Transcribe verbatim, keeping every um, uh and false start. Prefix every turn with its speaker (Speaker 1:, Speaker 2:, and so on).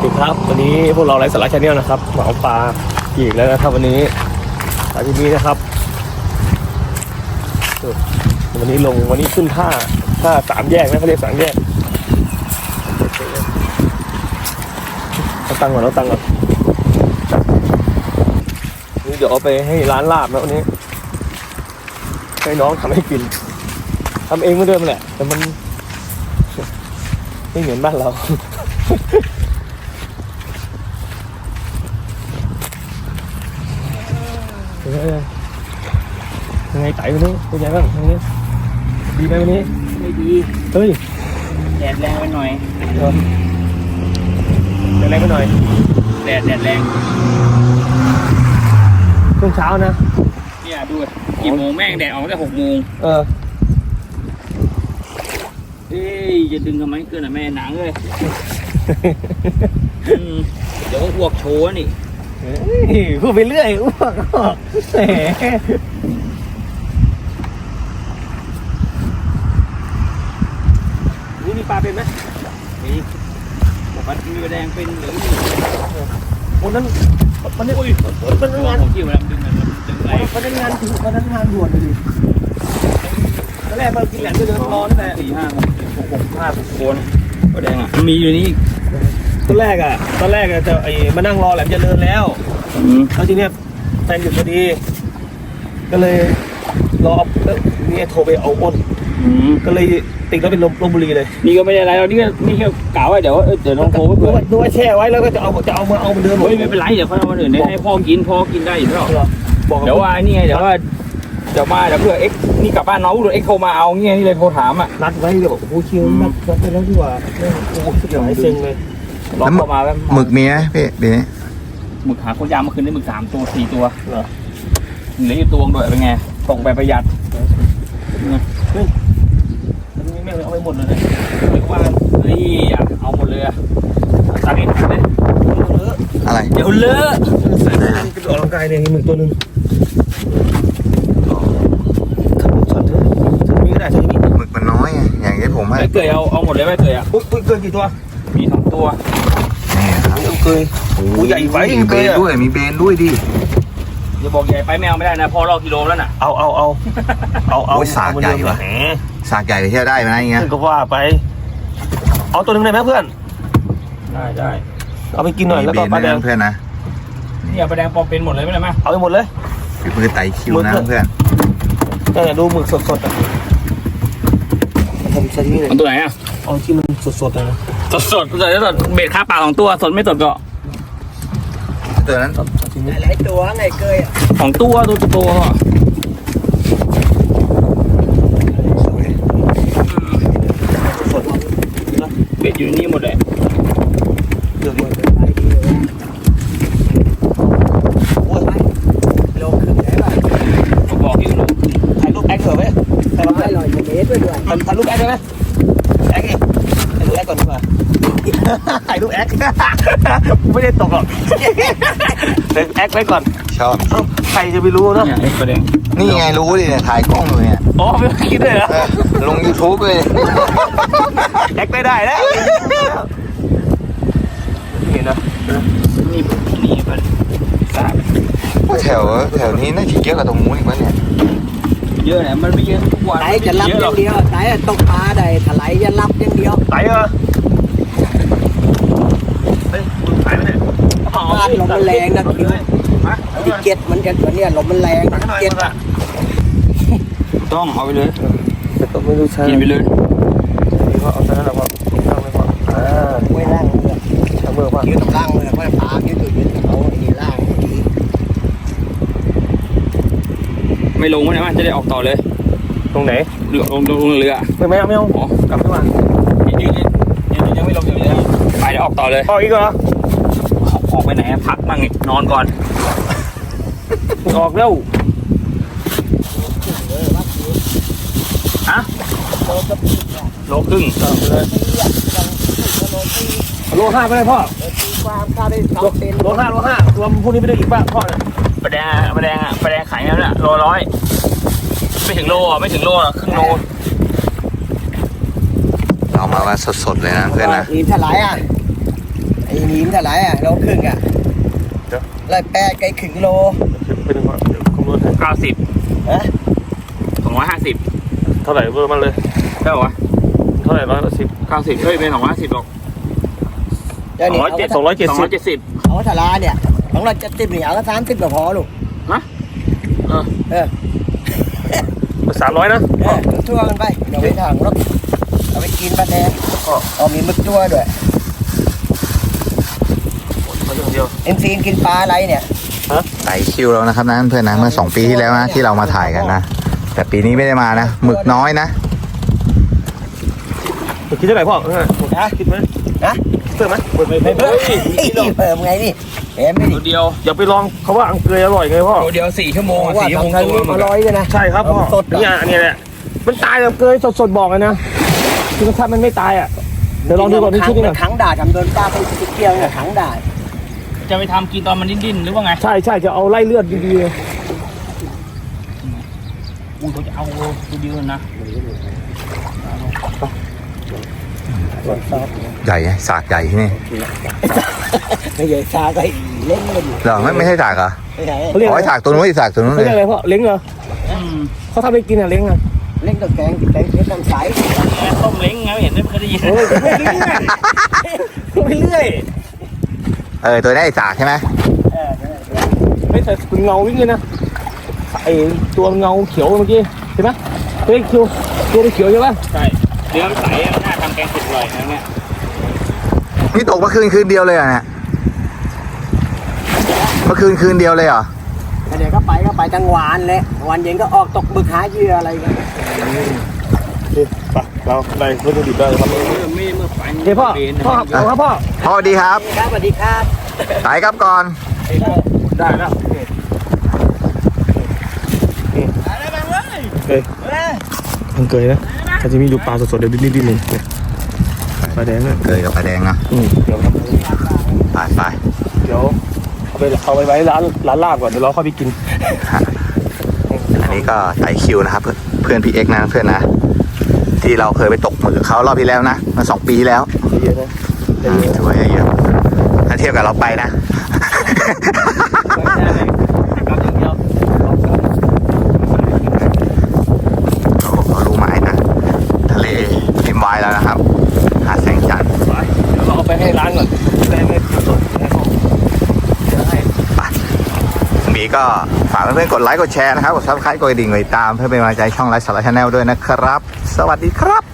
Speaker 1: สวัสดีครับวันนี้พวกเราไลฟ์สาระชาแนลนะครับเหมาปลาอีกแล้วนะครับวันนี้ปลาที่นี้นะครับวันนี้ลงวันนี้ขึ้นท่าท่าสามแยกนะเขาเรียกสามแยกเอาตังค์ก่อนเอาตังค์ก่อนนี่เดี๋ยวเอาไปให้ร้านลาบนะวันนี้ให้น้องทำให้กินทำเองไม่เดิมแหละแต่มันไม่เหมือนบ้านเรายังไงไต่วันนี้เป็นไงบ้างวันนี้ดีไหมวันนี้
Speaker 2: ไม่ดี
Speaker 1: เฮ้ย
Speaker 2: แดดแรงไปหน่อย
Speaker 1: แดดแรงไปหน่อย
Speaker 2: แดดแดดแรง
Speaker 1: ช่วงเช้านะ
Speaker 2: เนี่ยดูกี่โมงแม่งแดดออกตั้งแต่หกโมง
Speaker 1: เออ
Speaker 2: เอ้ยจะดึงทำไมเกินอ่ะแม่หนังเลยเดี๋ยวอ้วกโชว์นี่
Speaker 1: พูดไปเรื่อยอ้วกแหมนี่มีปลาเป็นไหม
Speaker 2: มีบอกว่ามีแดงเป็นหรือ
Speaker 1: วันนั้นวันนี้โอ้ยมันงาน
Speaker 2: ของที่มันดึงมันดึงอะไร
Speaker 1: วันนั้นงานวันนั้นงานด่วนเลยตอนแรกเรากินแหลมก็เดินรอตั้งแต่
Speaker 2: สี่ห้าหกหกหกห้าโคนก็แดงอ่ะมีอยู่นี่
Speaker 1: ตอนแรกอ่ะตอนแรกอ่ะจะไอ้มานั่งรอแหลมจะเดินแล้วแล้วทีเนี้ยแฟนหยุดพอดีก็เลยรอเนี่ยโทรไปเอาอ้นก็เลยติดแล้วเป็นลมลมบุรีเลย
Speaker 2: นี่ก็ไม่ได้อะไรเรานี่ก็นี่แค่กล่าวไว้เดี๋ยวเดี๋ยวน้องโทรไปเพื่อ
Speaker 1: ดูว่าแช่ไว้แล้วก็จะเอาจะเอามาเอามาเดิม
Speaker 2: เฮ้ยไม่เป็นไรเดี๋ยวเขาเอามาเดินให้พ่อกินพ่อกินได้อยู่แล้วเดี๋ยวว่านี่ไงเดี๋ยวว่าเดี๋ยวมาเดี๋ยวเพื่อเอ็กนี่กลับบ้านน้องเดี๋ยวเอ็กโทรมาเอาเงี้ยนี่เลยโทรถามอ่ะ
Speaker 1: นัดไว้เดี๋ยวโอ้โหคิวนัดนัดไปแล้วดีกว่าโอ้โหสุดยอดเซ็งเลย
Speaker 2: ล็อกเข้ามาแล้ว
Speaker 3: หมึกมีไหมพี่เดี๋ยวนี้
Speaker 2: หมึกหาคนยามเมื่อคืนได้หมึกสามตัวสี่ตัวเหรอเหลืออยู่ตัวด้วยเป็นไงส่งไปประหยัด
Speaker 1: เฮ้ยอันนี้แม่งเอาไปหมดเลยนะ
Speaker 2: เรียกว่านี่เอาหมดเลยอะตัดเองตัดเลย
Speaker 3: อะไร
Speaker 2: เดี๋ยวเลอะ
Speaker 1: ใส่กระโดดร่างกายเนี่ยมีหมึกตัวนึงทำช็อตเถอะจะมีก็ได้จะมี
Speaker 3: หมึกมันน้อยไงอย่างที่ผมให้
Speaker 2: ไม่เกยเอาเอาหมดเลยไม่เกยอ่ะ
Speaker 1: อุ้ยเกินกี่ตัว
Speaker 2: มีสองตัว
Speaker 3: นี่ครับ
Speaker 1: เกยโอ้ใหญ่ไป
Speaker 3: มีเบนด้วยมีเบนด้วยดิ
Speaker 2: อย่าบอกใหญ่ไปแมวไม่ได้นะพอรอกิโลแล้วน่ะ
Speaker 1: เอาเอาเอาเอาเอา
Speaker 3: สากใหญ่ว่ะสากใหญ่ไปเที่ยวได้ไหมอย่างเงี้ย
Speaker 1: ก็ว่าไปเอาตัวนึงได้ไหมเพื่อน
Speaker 2: ได้ได้
Speaker 1: เอาไปกินหน่อยแล้วก็ปลาแดง
Speaker 3: เพื่อนนะ
Speaker 2: เนี่ยปลาแดงปอเป็นหมดเลยไม่ได้ไหม
Speaker 1: เอาไปหมดเลย
Speaker 3: คือมือไต่คิวนะเพื่อน
Speaker 1: เนี่ยดูหมึกสดๆอ่ะทำซาชิมิเลย
Speaker 2: ตัวไหนอ่ะ
Speaker 1: เอาที่มันสดๆเลยนะ
Speaker 2: สดสดสดสดเบ็ดค่าปลาสองตัวสดไม่สดก็
Speaker 3: ตัวนั้น
Speaker 1: หลายตัวไงเกย
Speaker 2: สองตัวตัวตัว
Speaker 1: สด
Speaker 2: เบ็ดอยู่นี่หมดเลย
Speaker 1: เดือดเลยโอ้ยโลครึ่งได้ป่ะ
Speaker 2: บอกอยู่ลูก
Speaker 1: ถ่ายรูปแอคเถอะไหมถ่ายรูปแอคหน่อยเมตรด้วยด้วยถ่ายรูปแอคได้ไหมแอคไงถ่ายรูปแอคก่อนดีกว่าถ่ายรูปแอคไม่ได้ตกหรอกแอคไว้ก่อน
Speaker 3: ชอบ
Speaker 1: ใครจะไปรู้เนาะ
Speaker 3: นี่ไงรู้ดิเนี่ยถ่ายกล้องเลยเนี่ย
Speaker 1: อ๋อไม่คิดเลยเหรอ
Speaker 3: ลง ยูทูบ เลย
Speaker 1: แอคไม่ได้แล้วนี่นะ
Speaker 2: นี่นี่มันสาบ
Speaker 3: แถวแถวนี้น่าจะเยอะกว่าตรงนู้นอีกมั้งเนี่ย
Speaker 2: เยอะเนี่ยมันไม่เยอะทุกวัน
Speaker 4: ไหนจะรับอย่างเดียวไหนตกปลาได้ถลายจะรับอย่างเดียว
Speaker 1: ไหนเหรอเฮ้ยมึงไหนมาเนี่ย
Speaker 4: บ้านลมมันแรงนะคิวดิเก็ตมันจะเหมือนเนี่ยลมมันแรงเก็ต
Speaker 2: ต้องเอาไปเลย
Speaker 1: แต่ก็ไม่รู้ใช่
Speaker 2: กินไปเลย
Speaker 1: นี่ก็เอาซะนั่นแหละพ่อตั้งไว้ก่อนอ่า
Speaker 4: ไม่ล่างเลย
Speaker 1: ช่างเบอร์ป่ะ
Speaker 4: คิวต้องล่างเลยเพราะปลาคิวตัวยืนเขาดีล่างดี
Speaker 2: ไม่ลงมั้ยมันจะได้ออกต่อเลย
Speaker 1: ตรงไหน
Speaker 2: เรือลงลงเรือ
Speaker 1: ไม่ไม่เอาไม่เอากลับขึ้นมา
Speaker 2: ยืนยืนยังไม่ลงจากเรือไปเดี๋ยวออกต่อเลย
Speaker 1: ออกอีกเหรอ
Speaker 2: ออกไปไหนพักมั่งนอนก่อน
Speaker 1: ออกแล้ว
Speaker 2: ฮะโลครึ่ง
Speaker 1: โลห้าไปเลยพ่อโลห้าโลห้ารวมพวกนี้ไปได้อีกป่ะพ่อเนี่ย
Speaker 2: ปลาแดงปลาแดงอ่ะปลาแดงขายแล้วเนี่ยโลร้อยไม่ถึงโลอ่ะไม่ถึงโลอ่ะครึ่งโล
Speaker 3: เอามาว่าสดๆเลยนะเพื่อนนะ
Speaker 4: นี่เท่าไหร่อ่ะไอ้นี้มันเท่าไหร่อ่ะโลครึ่งอ่ะร้อยแปดไก่ครึ่งกิโล
Speaker 1: เป็นเดี๋ยวคำนวณให้
Speaker 2: เก้าสิบ
Speaker 4: ฮะ
Speaker 2: สองร้อยห้าสิบ
Speaker 1: เท่าไหร่เบอร์มันเลย
Speaker 2: เท่าไหร่วะ
Speaker 1: เท่าไหร่ร้อยละสิบ
Speaker 2: เก้าสิบเฮ้ยเป็นสองร้อยห้าสิบหรอก
Speaker 4: เดี๋ยวนี้
Speaker 1: ร้อยเจ็ดสองร้อยเจ็ด
Speaker 2: สอง
Speaker 1: สิ
Speaker 2: ร้
Speaker 1: บ
Speaker 2: อยเจ็ดสิบ
Speaker 4: เอาทาราเนี่ยของเราจะติดเหนียวก็สามสิบก็พอลูก
Speaker 2: ฮะเออ
Speaker 4: เออ
Speaker 1: สามร้อยนะ
Speaker 4: เออทั่วกันไปเดี๋ยวไปถังรถเอาไปกินปลาแดงเอามีมึกตัวด้วย
Speaker 1: เขาอย่างเดียว
Speaker 4: เอ็นซีนกินปลาอะไรเนี่ย
Speaker 3: ไต่คิวแล้วนะครับนะเพื่อนนะเมื่อสองปีที่แล้วนะที่เรามาถ่ายกันนะแต่ปีนี้ไม่ได้มานะหมึกน้อยนะ
Speaker 1: คิดเท่าไหร่พ่อ
Speaker 4: นะ
Speaker 1: คิดไหม
Speaker 4: นะ
Speaker 1: เพิ่มไหม
Speaker 4: ไม่เพิ่มนี่เพิ่มไงนี่เห็นไหม
Speaker 2: ตัว
Speaker 4: นี่
Speaker 2: เดียว
Speaker 1: อย่าไปลองเขาว่าอังเกยอร่อยไงพ่อ
Speaker 2: ตัวเดียวสี่ชั่วโมง
Speaker 4: ว่า
Speaker 2: สี่ชั่วโมง
Speaker 4: ทำไง
Speaker 2: ตัว
Speaker 4: อร่อยเลยนะ
Speaker 1: ใช่ครับพ่อ
Speaker 4: สด
Speaker 1: เนี่ยอันนี้แหละมันตายแบบเกยสดๆบอกเลยนะคือถ้ามันไม่ตายอ่ะเดี๋ยวลองดูก่อนนี่ชุดนี้ก่อน
Speaker 4: ถังด่าทำโดนปลาไปเกี่ยวเนี่ยถังด่า
Speaker 2: จะไปทำกินตอนมันดิ้นๆหรือว่าไง
Speaker 1: ใช่ใช่จะเอาไล่เลือดดีๆเลย
Speaker 2: อู้เขาจะเอาตัวเดียวนะ
Speaker 3: ใหญ่ไงสากใหญ่ที่นี่
Speaker 4: ไม่ใหญ่ชาก็เล่นกันอยู่
Speaker 3: เหรอไม่ไม่ใช่สากเหรอ
Speaker 4: ไม่ใช่
Speaker 1: เขาเรียก
Speaker 3: อ๋
Speaker 1: อะ
Speaker 3: อ
Speaker 1: ไร
Speaker 3: สากตัวนู้นอีกสากตัวนู้น
Speaker 1: เขา
Speaker 3: เล
Speaker 1: เรียก
Speaker 3: ย
Speaker 1: อะไรพ่อเล้งเหรอ
Speaker 2: อืม
Speaker 1: เขาทำไปกินอ่ะเล้งอ่ะ
Speaker 4: เล่นกับแกงแกงเพชรน้ำใส
Speaker 2: ต้มเล้งไงไม่เห็นไม่เคยได้ยิน
Speaker 1: เออไม่เล้งอ่ะไปเรื่อย
Speaker 3: เออตัวนี้ไอ้สากใช่ไหม
Speaker 4: เออ
Speaker 1: ไม่แต่เป็นเงาวิ่งเลยนะไอตัวเงาเขียวเมื่อกี้เห็นไหมตัวเขียวตัวเขียวใช่ปะ
Speaker 2: ใช่เนื้อมันใสอะมันน่าทำแกงเผ็ดอร่อยนะเนี่ย
Speaker 3: นี่ตกเมื่อคืนคืนเดียวเลยเหรอเนี่ยเมื่อคืนคืนเดียวเลยเหรอ
Speaker 4: เดี๋ยวก็ไปก็ไปกลางวันเลยวันเย็นก็ออกตกบึกหาเหยื่ออะไรกัน
Speaker 1: ไปเราได้วัตถุดิบได้ครับ
Speaker 2: เมื่อไม่เมื่อไฟ
Speaker 1: เดี๋ยวพ่อพ่อเอาครับพ่อ
Speaker 3: พ่อสวัสดีครับ
Speaker 4: ครับสวัสดีครับ
Speaker 3: ไต่ครับก่อน
Speaker 1: ได้แล้วเกยมันเกยนะถ้าจะมีดูปลาสดๆเดี๋ยวดิ้นๆเลยปลาแดงเนี่ย
Speaker 3: เกยกับปลาแดงนะ
Speaker 1: อืมเดี๋ยว
Speaker 3: ไปไป
Speaker 1: เดี๋ยวเอาไปเอาไปไว้ร้านร้านลาบก่อนเดี๋ยวเราเข้าไปกิน
Speaker 3: อันนี้ก็ไต่คิวนะครับเพื่อนเพื่อนพี่เอ็กซ์นะเพื่อนนะที่เราเคยไปตกหมึกกับเขารอบที่แล้วนะมาสองปีที่แล้ว
Speaker 1: เยอะนะ
Speaker 3: อืมถือว่าเยอะถ้าเทียบกับเราไปนะ โอ้โหเขารู้หมายนะทะเลริมวายแล้วนะครับหาดแสงจันทร์
Speaker 1: ไปเดี๋ยวเราเอาไปให้ร้านก่อนได้ไหมสดๆให้เขาเดี๋ยวให้
Speaker 3: มีก็ฝากเพื่อนๆกดไลค์กดแชร์นะครับกดซับสไครต์กดกระดิ่งกดติดตามเพื่อเป็นกำลังใจช่องไลฟ์สาระชาแนลด้วยนะครับ สวัสดีครับ